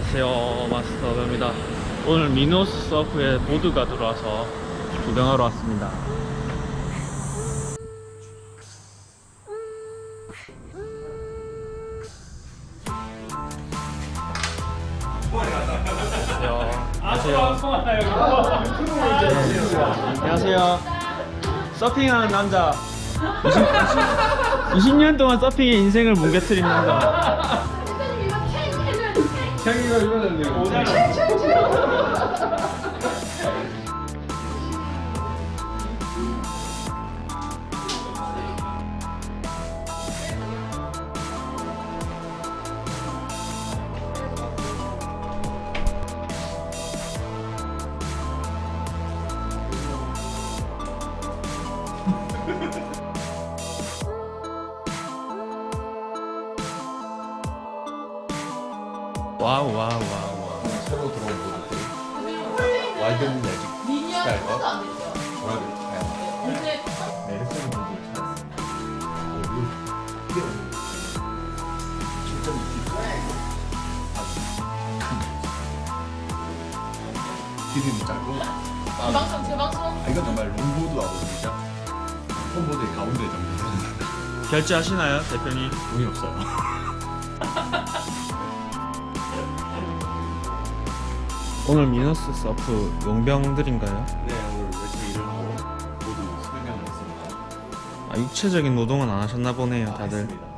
안녕하세요, 마스터입니다. 오늘 미노스 서프에 보드가 들어와서 구경하러 왔습니다. 안녕하세요. 서핑하는 남자. 20년 동안 서핑의 인생을 뭉개뜨린 남자. 형이가 이거는요. 와우. 새로 들어온 모델들 와이드 매직 스타일과 뭐라 그럴까요? 메르스 모델을 찾았습니다. 이게 진짜 길이는 짧고 제 방송 이건 정말 롱보드하고 진짜 홈보드의 가운데 정도 결제하시나요, 대표님? 돈이 없어요. 오늘 미노스 서프 용병들인가요? 네, 오늘 열심히 일을 하고 모두 수행을 했습니다. 육체적인 노동은 안 하셨나 보네요, 다들. 했습니다.